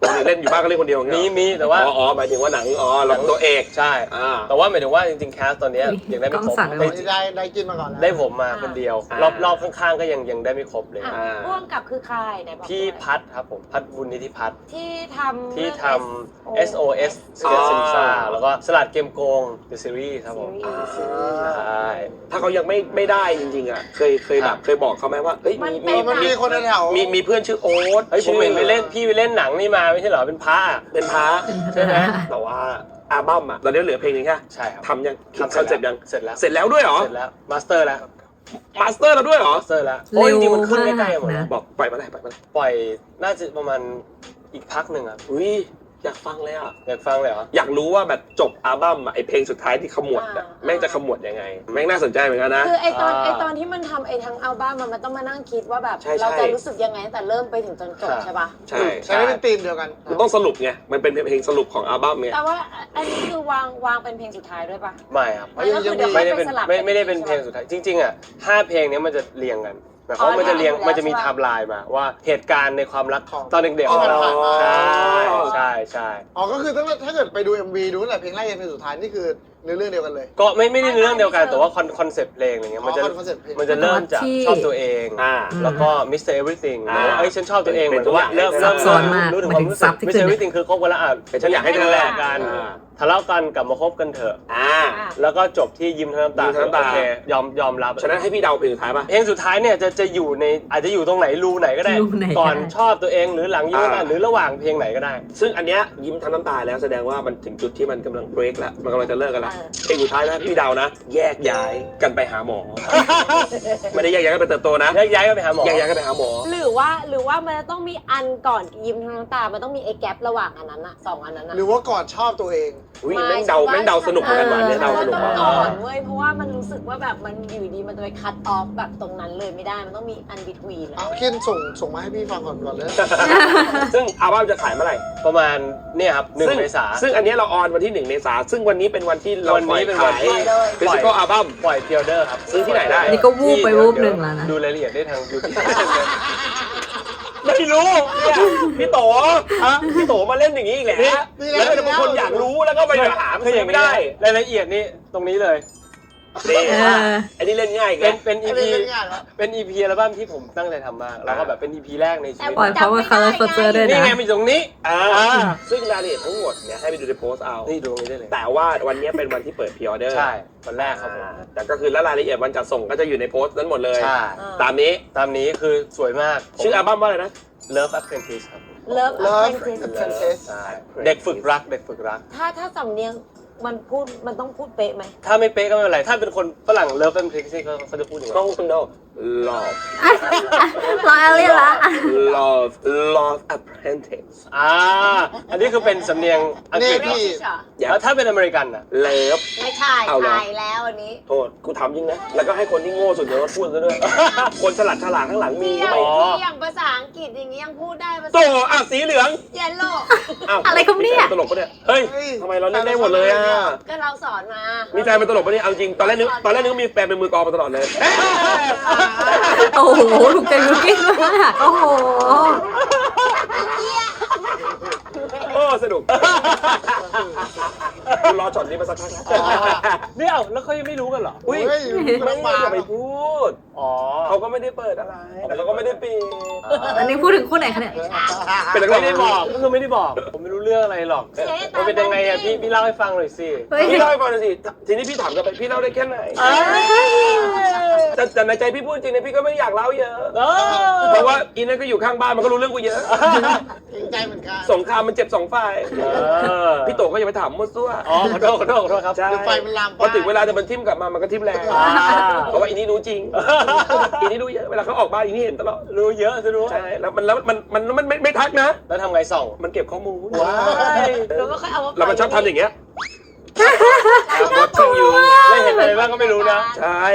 C: เล่นอยู่บ้านก็เล่นคนเดียว
B: มีมีแต่ว่า
C: อ๋ออ๋อหมายถึงว่าหนังอ๋อหนังตัวเอก
B: ใช่
C: อ่า
B: แต่ว่าหมายถึงว่าจริงๆแคสตอนเนี้ยยังได้ไม่ครบ
A: กล้องสั่นเลย
B: ได้
E: ได้ได้กินมาก่อนแล้ว
B: ได้ผมมาคนเดียว
C: อ่าร
B: อบรอบข้างๆก็ยังยังได้ไม่ครบเลย
D: อ่ะ
C: อ่า
D: ร่วมกับคือใครไหนบอก
B: พี่
D: หน่อย
B: พัดครับผมพัดบุญนิธิพัฒน์
D: ที่ทำ
B: ที่
D: เรื่อง
B: ทำ เอส โอ เอส Secret
C: อ๋อ
B: Simsa แล้วก็สลัดเกมโกง The Series ครับผม
D: ซีรีส์
B: ใช่
C: ถ้าเขายังไม่ไม่ได้จริงๆอ่ะเคยเคยแบบเคยบอกเขาไหมว่าเฮ้ย
D: มัน
C: มี
D: เป็
C: มี
E: มันมีคนแถว
C: มีมีเพื่อนชื่อโอ๊ต
B: เฮ้ยผมเห็นไปเล่นพี่ไปเล่นหนังนี่มาไม่ใช่เหรอเป็นพระอะ
C: เป็นพระ
B: ใช่ไหม
C: แต่ว่าอัลบั้มอ่ะตอนนี้เหลือเพลงหนึงแค่
B: ใช่ครับ
C: ทำยังคิด
B: ทำ
C: คอนเซ็ปต์ยัง
B: เสร็จแล้ว
C: เสร็จแล้วด้วยเหรอ
B: เสร็จแล้วมาสเตอร์แล้ว
C: มาสเตอร์แล้วด้วยเหรอ
B: มาสเตอร์แล้วโอ้ยจริงๆมันขึ้นใกล้ๆหมด
A: เร็วมาก
B: นะ
A: นะ
C: บอกปล่อยมาไหนปล่อยมาไหน
B: ปล่อยน่าจะประมาณอีกพักหนึ่งครับ
C: อุ้ยอยากฟังเลยอ่ะ
B: อยากฟังเลยเหรอ
C: อยากรู้ว่าแบบจบอัลบั้มอะไอเพลงสุดท้ายที่ขมวดอะแม่งจะขมวดยังไง แม่งน่าสนใจเหมือนกันนะ
D: คือไอตอน
B: อ่า
D: ไอตอนที่มันทำไอทั้งอัลบั้มมันมันต้องมานั่งคิดว่าแบบ
C: ใช่ใช่
D: เราจะรู้สึกยังไงตั้งแต่เริ่มไปถึงจนจบ
B: ครับ
D: ใช่ปะ
C: ใช่
E: ใช้ได้เป็นธีมเดียวกัน
C: มันต้องสรุปไงมันเป็นเพลงสรุปของอัลบั้มไง
D: แต่ว่าอันนี้คือวางวางเป็นเพลงสุดท้ายด้วยปะ
B: ไม่ครับ
E: อ๋อยังยังมี
B: ไม่ได้เป็น
D: สลับ
B: ไม่ไม่ได้เป็นเพลงสุดท้ายจริงๆอ่ะห้าเพลงเนี้ยมันจะเรียงกันหมายความว่ามันจะเรียง
D: อ๋อ
B: มันจะมี
D: ใช่
B: ไท
D: ปะ
B: ม์ไลน์มาว่าเหตุการณ์ในความรัก
E: ของ
B: ตอนเด็กๆ
E: ที่
B: ของเรา
E: ผ่านมา
B: ใช่ใช่ใช่
E: อ๋อก็คือตั้งแต่ถ้าเกิดไปดู เอ็ม วี ดูตั้งแต่เพลงแรกจนเพลงสุดท้ายนี่คือเนื้อเรื่องเดียวกันเลย
B: ก็ไม่ไม่ได้เรื่องเดียวกันแต่ว่าคอนคอนเซปต์เพลงอะไรเงี้ย
E: อ๋อ
B: มันจะ
E: คอนเซ็ปต์เพลง
B: มันจะเริ่มจาก
A: ที่
B: ชอบตัวเอง
C: อ่า
B: แล้วก็ มิสเตอร์ Everything
C: อ่า
B: เอ้ยฉันชอบตัวเองเห
C: เป็
B: มือน นกับว่า
C: ตัวอย่าง
B: เริ่ม
C: ซั
B: เริ่
C: บ
B: ม
A: ซ้อนมาก
B: รู้ถึง
A: ห
B: ค
A: มายถึ
B: วาม
A: ง
B: รู้
A: ซั
B: สึ
A: บ
B: ก
A: ที่
B: มิส
A: ขึ้
B: เตอน ร์
A: เนี่ย
B: Everything คือคบกันแล้วอ่ะ
C: ฉันอยากให้เธอ
B: ดูแล
C: แล
B: กัน
C: อ่า
B: ทะเลาะกันกลับมาคบกันเถอะ
C: อ่า
D: อ่ะ
B: แล้วก็จบที่ยิ้มทั้งน้ำตา
C: ยิ้มทั้งน้ำตา
B: โอเคยอมยอมรับ
C: ฉะนั้นให้พี่เดาเพลงสุดท้ายป่ะ
B: เพลงสุดท้ายเนี่ยจะจะอยู่ในอาจจะอยู่ตรงไหนรูไหนก็ได้
A: รูไหนก็ได้
B: ก่อนชอบตัวเองหรือหลังยิ้ม
C: อ่า
B: หรือระหว่างเพลงไหนก็ได้
C: ซึ่งอันเนี้ยยิ้มทั้งน้ำตาแล้วแสดงว่ามันถึงจุดที่มันกำลังเบรกแล้วมันกำลังจะเลิกกันแล้ว
D: เออ
C: เพลงสุดท้ายนะพี่เดานะ แยกย้ายกันไปหาหมอ ไม่ได้แยกย้ายกันไปเติบโตนะ
B: แยกย้ายกันไปหาหมอ
C: แยกย้ายกันไปหาหมอ
D: หรือว่าหรือว่ามันจะต้องมีอันก่อนยิ้มทั้งน้ำตา มันต้องมีไอ้แกประหว่างอันนั้นอะสองอันนั้นอะ
E: หรือว่าก่อนชอบตัวเอง
C: อุ้ยแม่งเดาแม่งเดาสนุกเหมือนกันว่ะเนี่ยเดาสนุก
D: ต้อ
C: ว่ะ
D: งก่อนเว้ยเพราะว่ามันรู้สึกว่าแบบมันอยู่ดีมันจะไปคัตออฟแบบตรงนั้นเลยไม่ได้มันต้องมีอันบิทวีน
E: เอาคินส่งส่งมาให้พี่ฟังก่อนก่อนเลย
C: ซึ่งอัลบั้มจะขายเมื่อไหร่
B: ประมาณเนี่ยครับหนึ่ง
C: ซึ่
B: เมษา
C: ซึ่งอันเนี้ยเราออนวันที่หนึ่งเมษาซึ่งวันนี้เป็นวันที่เรา
B: วันนี้เป็นวันที่
C: ฟิสิกอลอัลบั้ม
B: ปล่อยเทียเดอร์ครับ
C: ซื้อที่ไหนได้
A: นี่ก็วูบไปวูบหนึ่งแล้วนะ
B: ดูรายละเอียดได้ทางยูทูบ
C: ไม่รู้เนี่ยพี่โตฮะพี่โตมาเล่นอย่างนี้อีกแล้ว
E: นี่
C: แล้วแต่บางคนอยากรู้แล้วก็ไปหามัน
B: คืออ
C: ซื้
B: ย่า
C: อง ไม่ได้
B: รายละเอียดนี่ตรงนี้เลย
C: นี่
A: เออ
C: อันนี้เล่นง่ายอีก
B: เป็
C: แล้
B: น
C: ว
B: เป็น
E: ไอ้
B: EP
E: เป็นงานวะ
B: เป็น EP อัลบั้มที่ผมตั้งใจทำมากแล้วก็แบบเป็น EP แรกในชีวิต
A: ปล่อยเพราะว่า Color Culture ด้วย
B: นี่
A: นะ
B: ไงมันอยู่ตรงนี้
C: อ่า
B: อ่า
C: ซึ่งรายละเอียดทั้งหมดเนี่ยให้ไปดูในโพสต์เอา
B: นี่ดูตรงนี้ได้เลย
C: แต่ว่าวันนี้เป็นวันที่เปิดพรีออเดอร์
B: ใช่วันแรกครับผม
C: แต่ก็คือแล้วรายละเอียดวันจัดส่งก็จะอยู่ในโพสต์นั้นหมดเลย
B: ใช่
C: ตามนี้
B: ตามนี้คือสวยมาก
C: ชื่ออัลบั้มว่าอะไรนะ
B: Love Apprentice ครับ
D: เลิฟ
E: Love
D: เ
E: Apprentice
B: ใช่เด็กฝึกรักเด็กฝึกรัก
D: ถ้าถ้าสำเนียงมันพูดมันต้องพูดเป๊ะไหม
B: ถ้าไม่เป๊ะก็ไม่เป็นไร ถ้าเป็นคนฝรั่ง Love Apprentice เขาเขาจะพูดอย่าง
C: น้
B: ไร
C: องคุณโด love
A: รอเอลเลียนละ
C: love love apprentice
B: อ่าอันนี้คือเป็นสำเนียงอังกฤษ
E: นี่
B: เหรอ
E: พี่
C: อย่า
B: แล้วถ้าเป็นอเมริกันอ่ะ
C: love
D: ไม่ใช่
C: เอาเหรอ
D: ใช่แล้วอันนี้
C: โทษกูทำจริงนะ แล้วก็ให้คนที่โง่สุดในรถพูดซะด้วย คนฉลาดฉลาดข้างหลังมี
D: ที่อ
C: ก็
D: ย่าง
C: ไม่
D: ที่อย่างภาษาอังกฤษอย่างนี้ยังพูดได้ภา
C: โต
D: ษา
C: อ่ะสีเหลือง
D: เยลโล่
C: อ้าว
A: อะไรครับเนี่ย
C: มีแฟตลกปะเนี่ย เฮ้ย
E: เฮ้ย
C: ทำไมเราเล่นได้หมดเลยอ่ะ
D: ก็เราสอนมา
C: มีแฟนเป็นตลกปะเนี่ยเอาจริง ตอนแรกนึกตอนแรกนึกว่ามีแฟนเป็นมือกลองมาตลอดเลย
A: โอ้โห ถูกใจยูกินมาก โอ้โห
C: โอ้สนุกรอช็อตนี้มาสักพักแล้ว
B: เนี่ยเอาแล้วเขายังไม่รู้กันเหรอ
C: อุ้ย
E: เฮ้ย
C: ไม่
E: มา
C: อย่าไปพูด
B: อ๋อ
C: เขาก็ไม่ได้เปิดอะไร แต่เขาก็ไม่ได้ปิด
A: อันนี้พูดถึงคู่ไหนคะเนี่ย
C: เป็นนักร้อ
B: ไม่
C: ง
B: ได้บอกก็คือไม่ได้บอก ผมไม่รู้เรื่องอะไรหรอกมันเป็นยังไงอ่ะพี่พี่เล่าให้ฟังหน่อยสิ
A: เฮ้ย
C: พี่เล่าให้ฟังหน่อยสิ ทีนี้พี่ถามกลับไปพี่เล่าได้แค่ไหนแต่แต่ในใจพี่พูดจริงนะพี่ก็ไม่อยากเล่าเยอะ
B: เออ
C: เพราะว่าอีนั่นก็อยู่ข้างบ้านมันก็รู้เรื่องกูเยอะ
E: เกรงใจเหมือนกัน
C: สงครามมันเจ็บสองฝ่าย
B: เออ
C: พี่โตก็อย่าไปถามมั่วซั่ว
B: อ๋อขอโทษขอโทษขอโทษครับ
C: ใช่
E: เดี๋ยวไฟมันลาม
C: พอถึงเวลาจะมันทิ่มกลับมามันก็ทิ่มแรง
B: อ่า
C: เพราะว่าอีนี่รู้จริง อีนี่รู้เยอะ เวลาเขาออกบ้านอีนี่เห็นตลอด
B: รู้เยอะซะด้วย
C: ใช่ แล้วมันแล้วมันมันมันไม่ไม่ทักนะ
B: แล้วทำไงส่อง
C: มันเก็บข้อมูล
B: ว้าย
D: แล้วก็ค่อยเอามา
C: แล้วมันชอบทำอย่างเงี้ย
B: ไม่เห็นอะไรบ้างก็ไม่รู้นะ
C: ใช่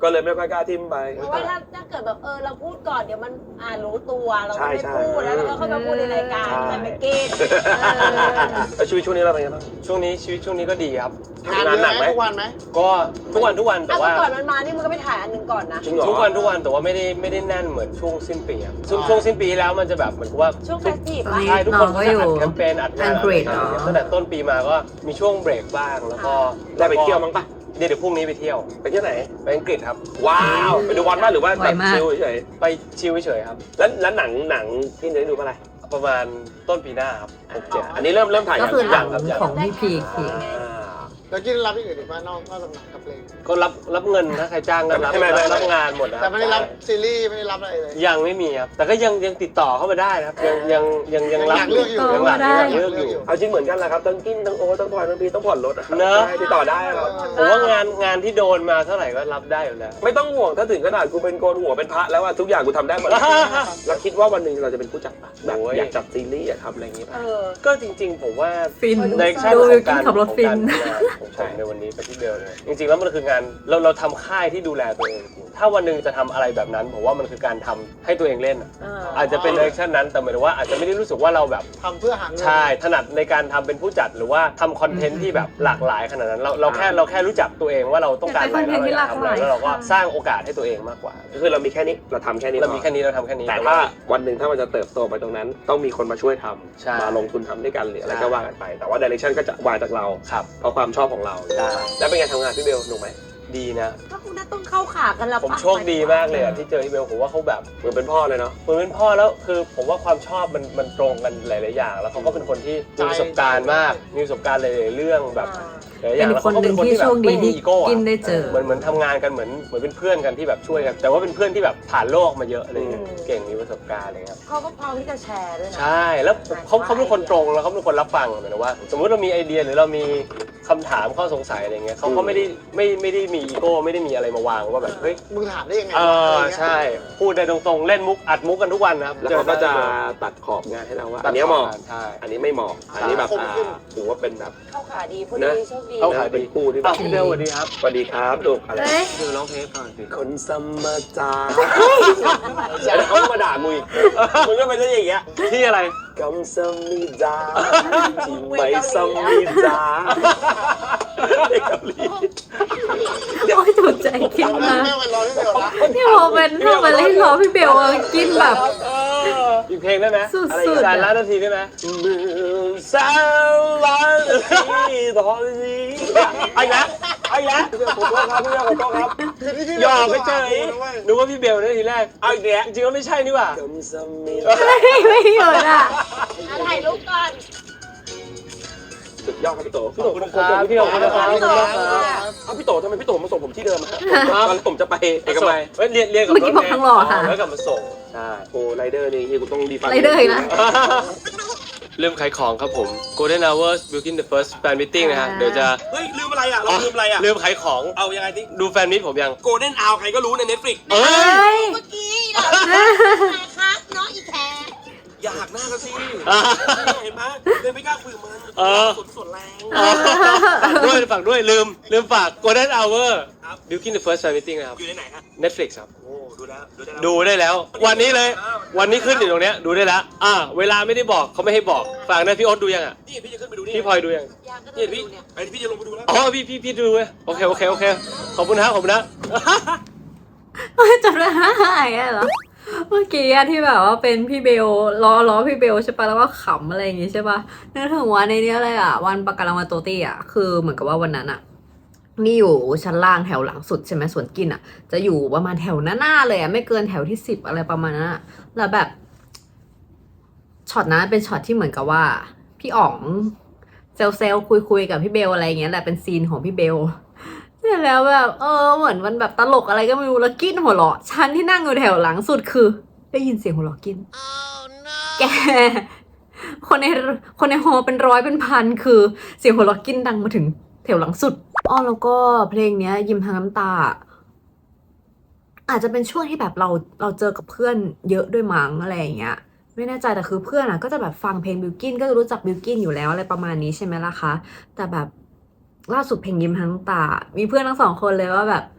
C: ก็เลยไม่ค่อยกล้าทิมไป
D: เพราะว่าถ้าถ้าเกิดแบบเออเราพูดก่อนเดี๋ยวมันอ่ารู้ตัวเรา
C: ใช่
D: ไม่
C: ใช่
D: พูดแล้วเราก็ค่อยมาพูดในรายการ
C: ใช่
D: แต่ไม่เก็ต
C: แล้วชีวิตช่วงนี้เราเป็นยังไงบ้าง
B: ช่วงนี้ชีวิตช่วงนี้ก็ดีครับ
E: งานเย
C: งานหนั
E: อะ
C: ก
E: ไห
C: ไห
E: ม
C: ม
E: ทุกวันไหม
B: ก็ทุกวันทุกวันแต่
D: เอา
B: ว่า
D: ก่อนมันมานี่มันก็ไปถ่ายอันหนึ่งก่อนนะ
C: จริงเหรอ
B: ทุกวันทุกวันแต่ว่าไม่ได้ไม่ได้แน่นเหมือนช่วงสิ้นปีครับช่วงช่วงสิ้นปีแล้วมันจะแบบเหมือนกับว่า
D: ช่วงเฟสทีฟ
A: ตอนนี้
B: ใช่ทุกคน
A: น้องก็
B: ก็
A: อ
B: จะ
A: ยู่
B: อัดแคมเปญอัดงาน
A: อังกฤษ
B: อะไรอย่างเงี้ย
A: เหรอ
B: ตั้งแต่ต้นปีมาก็มีช่วงเบรกบ้างแล้วก็
C: ได้ไปเที่ยวมั้งปะ
B: เดี๋ยวเดี๋ยวพรุ่งนี้ไปเที่ยว
C: ไปเที่ยวไหน
B: ไปอังกฤษครับ
C: ว้าวไปดูบอลบ้างหรือว่า
A: ไว
C: แบบ
A: มาก
C: ชิลเฉย
B: ไปชิลเฉยๆครับ
C: ๆแล้วแล้วหนังหนังที่จะได้ดูเมื่อไหร่
B: ประมาณต้นปีหน้าครับหกเจ็ด
C: อันนี้เริ่มเริ่มถ่าย
A: ก็คือหนัง
C: ยังครับ
A: ของพี่พีค
C: อ่า
E: แล้วกินรับที่อื่นอีกว่านอกนอกจากหนังกับเพลง
B: ก็รับรับเงินถ้าใครจ้างก็รับ
C: ไม่ไม่ไม่
B: รับงานหมดนะค
E: แต่
B: รับ
E: ไม่ได้รับซีรีส์ไม่ได้รับอะไรเลย
B: ยังไม่มีครับแต่ก็ยังยังติดต่อเข้ามาได้นะครับยังยังยังยังรับ
E: อยากเลือกอยู่
B: ยังรับ
A: ได้
B: ยังเลือกอยู่
C: เอาจริงเหมือนกันแหละครับทั้งกินทั้งโอทั้งพลอยทั้งพีต้องผ่อนรถ
B: เนอะ
C: ใช่ติดต่อได้ครับ
B: ผมว่างานงานที่โดนมาเท่าไหร่ก็รับได้อยู่แล้ว
C: ไม่ต้องห่วงถ้าถึงขนาดกูเป็นโกนหัวเป็นพระแล้วว่าทุกอย่างกูทำได้หมดแล้วเราคิดว่าวันหนึ่งเราจะเป็นผู้จัดปะแบบ
B: โอ้ย
C: อยากจัดซีรีส์อยากทำอะไรอย่างงี้
D: เอ
C: ป่ะ
D: อ
B: ก็จริงๆผมว่า
A: ฟิน
B: ในแค่
A: ดู
B: ของ
A: วิวกิ
B: กาน ร
A: ขับรถฟิน
B: ของการทำงานของผมในวันนี้กับพี่เบลเนี่ยจริงๆแล้วมันคืองานเราเราทำค่ายที่ดูแลตัวเองจริงถ้าวันหนึ่งจะทำอะไรแบบนั้นผมว่ามันคือการทำให้ตัวเองเล่นอะ
D: อ่า
B: อาจจะเป็นเดเรคชั่นนั้นแต่หมายถึงว่าอาจจะไม่ได้รู้สึกว่าเราแบบ
E: ทำเพื่อหาเงิน
B: ใช่ถนัดในการทำเป็นผู้จัดหรือว่าทำคอนเทนต์ที่แบบหลากหลายขนาดนั้นเราเราแค่เราแค่รู้จักตัวเองว่าเราต้องการอะไร
A: เป็นคอนเทนต์ที่
B: แล้วเราอยากทำอะไร
A: หลากหลาย
B: แล้วเราก็สร้างโอกาสให้ตัวเองมากกว่า
C: ก็คือเรามีแค่นี้เราทำแค่นี้
B: เรามี
C: พอ
B: แค่นี้เราทำแค่นี้
C: แต่ถ้าวันหนึ่งถ้ามันจะเติบโตไปตรงนั้น ต้องมีคนมาช่วยท
B: ใช่
C: ำมาลงทุนทำด้วยกันหรืออะไร
B: ใช่
C: ก็ว่ากันไป แต่ว่าดิเรกชันก็จะวางจากเรา
B: ครับ
C: เพราะความชอบของเรา
B: ได้
C: แล้วเป็นไงทำงานพี่เบลหนุกไหม
B: ดีนะ
D: ก็คงน่าต้องเข้าขากันแล้ว
B: ผม
D: ปะ
B: โชคดีมากเลยอะที่เจอพี่เบลผมว่าเขาแบบ
C: เหมือนเป็นพ่อเลยเนาะ
B: เหมือนเป็นพ่อแล้วคือผมว่าความชอบมันมันตรงกันหลายๆอย่าง แล้วเขาก็เป็นคนที่มีประสบการณ์มากมีประสบการณ์หลายๆเรื่องแบบ
D: อ่า
B: หลายๆอย่าง
A: เป็น
B: แล้ว
A: คน
B: เขาก็
A: หนึ่ง
B: เป็นคน
A: ที่
B: ที่แบ
A: โช
B: บ
A: คดี
B: ไม่มี
A: ที่
B: อีโก้อะ
A: กินได้เจอ
B: เหมือนเหมือนทำงานกันเหมือนเหมือนเป็นเพื่อนกันที่แบบช่วยกันแต่ว่าเป็นเพื่อนที่แบบผ่านโลกมาเยอะอะไรเงี้ย
D: อืม
B: เก่งมีประสบการณ์อะไรเงี้ย
D: เขาก็พร้อมที่จะแชร์ด้วยนะ
B: ใช่แล้วเขาเขาเป็นคนตรงแล้วเขาเป็นคนรับฟังหมายถึงว่า สมมุติเรามีไอเดียหรือเรามีคำถามข้อสงสัยอะไรเงี้ยเขาก็ไม่ได้ไม่ไม่ได้มีอีโก้ไม่ได้มีอะไรมาวางว่าแบบเฮ้ย
E: มึงถามได้ยังไง
B: เอ
E: วะ
B: อ
E: อะไรเงี้ย
B: ใช่พูดได้ตรงๆเล่นมุกอัดมุกกันทุกวันนะครับ
C: แล้วเขาก็
B: จ
C: จะ
B: อได้
C: ตัดขอบงานให้เราว่า
B: ตั
C: อั
B: ด
C: นเนี้ยเหมาะ
B: ใช่
C: อันนี้ไม่เหมาะอันนี้แบบอ่าถือว่าเป็นแบบ
D: เข้าขาดีพูด
C: นะ
D: ดีโชคดี
B: เข้าขา
C: เป็นคู่ที่แบ
B: อ้าว
C: บ
B: พี่เบลสวัสดีครับ
C: สวัสดีครับลูกอะไร
A: เฮ้ย
B: คือร้องเพลงก่อนสิ
C: คนสมมาจาแล้วเขามาด่ามึงอีกมึงก็เป็นเรื่องอย่างเงี้ย
B: ที่อะไร
C: กำสมิดาที่ไม่สมิดาเด็กเกาหลี
A: โอ้ยถูกใจกิน
E: แม่
A: มาก
E: แม่ไปรอที่เดียวนะ
A: นี่พอเป็นพอมาเล่นล้อพี่เบลอะกินแบบ
B: อีกเพลงได้ไหม
A: สุดๆ
B: อะไรอีก
A: อะ
B: สารล้านนาทีได้ไหมหนึ่งสามล้านนาทีตอนนี้ไอ้นะไอ้นะผมโทษครับพี่เบลผมโทษครับ
E: คือที่พี่
B: หยอกไปเฉย
E: นะเว้ย
B: นึกว่าพี่เบลนะทีแรก
C: เอาอีกแล้ว
B: จริงๆก็ไม่ใช่นี่หว่า
C: กำสมิดา
A: ไม่ไม่หยุดอ่ะ
D: อ่ะถ่ายรูปก่อน
C: สุดยอดครับพี่โต
B: พี่โตขอบคุณครับพี่โตขอบคุณครับ
D: พี่โต
C: เอาพี่โตทำไมพี่โตมาส่งผมที่เดิมอะตอนผมจะไปเอกมัย
B: เฮ้ยเรียนเรียนกับ
A: เมื่อกี้บอกทางหล่อค่ะ
B: แล้วกลับมาส่ง
C: ใช่โอ้ไรเดอร์นี่เฮียกูต้องดีฟัง
A: ไรเดอร์อีกนะ
B: เริ่มขายของครับผม Golden Hours Built-in the First Fan Meeting นะฮะ เดี๋ยวจะ
C: เฮ้ยลืมอะไรอ่ะเราลืมอะไรอ่ะ
B: เริ่มขายของ
C: เอายังไงดิ
B: ดูแฟนมิตผมยัง
C: โกลเด้นอาวใครก็รู้ในเน็ตฟลิก
B: เอ้ย
D: เมื่อกี้เราครับน้องอีแคร์
C: อยากหน้ากันสิเห็นไหมเลยไม่กล้าคุยกับมัน
B: เออ
C: สดสดแรง
B: ฝากด้วยฝากด้วยลืม ลืมฝาก Golden Hour Built-in the First Fan Meeting นะครับ
C: อยู่ในไหนฮะ
B: Netflix ครับ
C: โอ้ดูแล้วดูได้แล้ว
B: ดูได้แล้ว วันนี้เลย วันนี้ขึ้นอยู่ตรงเนี้ยดูได้แล้ว อ่า เวลาไม่ได้บอกเขาไม่ให้บอก ฝากนะพี่โอ๊ตดูยังอ่ะ
C: นี่พี่จะขึ้นไปดูนี่
B: พี่พลอยดูยัง
D: อยากก็
C: นี่
D: ต้อง
C: พี่
D: ดูเนี่ย
C: ไอ้พี่จะลงไปดูแล้ว
B: อ๋อ พี่พี่พี่ดูเว้ยโอเค โอเค โอเค ขอบคุณนะขอบคุณนะ
A: จำได้หายเหรอ เมื่อกี้อะที่แบบว่าเป็นพี่เบลล้อล้อพี่เบลใช่ปะแล้วก็ขำอะไรอย่างงี้ใช่ปะนึกถึงวันในเนี้ยเลยอะวันประกันรางวัลโตตี้อะคือเหมือนกับว่าวันนั้นอะนี่อยู่ชั้นล่างแถวหลังสุดใช่ไหมส่วนกินอะจะอยู่ประมาณแถวหน้าๆเลยอะไม่เกินแถวที่สิบอะไรประมาณนั้นอะแล้วแบบช็อตนั้นเป็นช็อตที่เหมือนกับว่าพี่อ๋องเซลเซลคุยคุยๆกับพี่เบลอะไรอย่างเงี้ยแหละเป็นซีนของพี่เบล เสร็จแล้วแบบเออเหมือนมันแบบตลกอะไรก็ไม่รู้แล้วกินหัวเราะฉันที่นั่งอยู่แถวหลังสุดคือ ได้ยินเสียงหัวเราะกิน แก คนในคนในฮอลเป็นร้อยเป็นพันคือ เสียงหัวเราะกินดังมาถึงแถวหลังสุดอ้อแล้วก็เพลงเนี้ย ยิ้มทางน้ำตา อาจจะเป็นช่วงที่แบบเราเราเจอกับเพื่อนเยอะด้วยมั้งอะไรอย่างเงี้ย ไม่แน่ใจแต่คือเพื่อนอ่ะก็จะแบบฟังเพลงบิลกินก็จะรู้จักบิลกินอยู่แล้วอะไรประมาณนี้ใช่ไหมล่ะคะแต่แบบ ล่าสุดเพลงยิ้มทั้งตา มีเพื่อนทั้งสองคนเลยว่าแบบ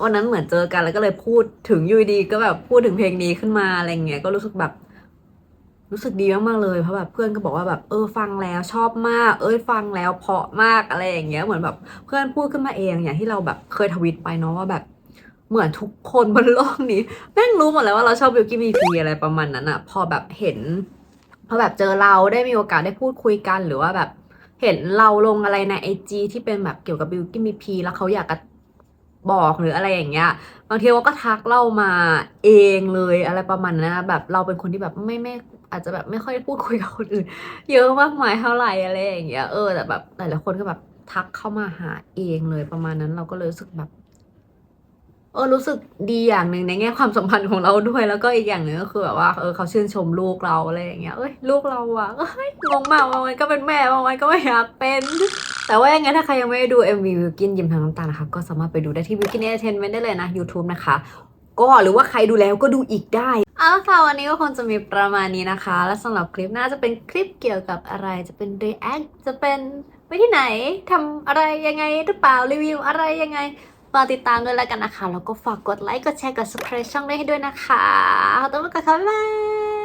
A: วันนั้นเหมือนเจอกันแล้วก็เลยพูดถึงอยูดีก็แบบพูดถึงเพลงนี้ขึ้นมาอะไรเงี้ยก็รู้สึกแบบ รู้สึกดีมากๆเลยเพราะแบบเพื่อนก็บอกว่าแบบเออฟังแล้วชอบมาก เอ้ยฟังแล้วเพราะมากอะไรอย่างเงี้ยเหมือนแบบเพื่อนพูดขึ้นมาเองอย่างที่เราแบบเคยทวิตไปเนาะว่าแบบเหมือนทุกคนบนโลกนี้แม่งรู้หมดแล้วว่าเราชอบบิวกิ้นบีพีอะไรประมาณนั้นอะพอแบบเห็นพอแบบเจอเราได้มีโอกาสได้พูดคุยกันหรือว่าแบบเห็นเราลงอะไรในไอจีที่เป็นแบบเกี่ยวกับบิวกิ้นบีพีแล้วเขาอยากจะบอกหรืออะไรอย่างเงี้ย บางทีเขาก็ทักเล่ามาเองเลยอะไรประมาณนั้นนะแบบเราเป็นคนที่แบบไม่ไม่อาจจะแบบไม่ค่อยพูดคุยกับคนอื่น เยอะมากมายเท่าไหร่อะไรอย่างเงี้ยเออแต่แบบหลายๆคนก็แบบทักเข้ามาหาเองเลยประมาณนั้นเราก็เลยรู้สึกแบบ เออรู้สึกดีอย่างหนึ่งในแง่ความสัมพันธ์ของเราด้วยแล้วก็อีกอย่างหนึ่งก็คือแบบว่าเออเขาชื่นชมลูกเราอะไรอย่างเงี้ยเอ้ยลูกเราอะเอ้ยงงมากบางวันก็เป็นแม่บางวันก็ไม่อยากเป็น แต่ว่ายังไงถ้าใครยังไม่ได้ดู เอ็ม วี วิลกินยิ้มทั้งน้ำตานะคะก็สามารถไปดูได้ที่ วิลกิน Entertainment ได้เลยนะ YouTube นะคะ ก็หรือว่าใครดูแล้วก็ดูอีกได้เอาละค่ะวันนี้ก็คงจะมีประมาณนี้นะคะ และสำหรับคลิปหน้าจะเป็นคลิปเกี่ยวกับอะไรจะเป็น react จะเป็นไปที่ไหนทำอะไรยังไงหรือเปล่ารีวิวอะไรยังไงฝากติดตามด้วยแล้วกันนะคะแล้วก็ฝากกดไลค์กดแชร์กด subscribe ช่องได้ให้ด้วยนะคะขอบคุณมากค่ะบ๊ายบาย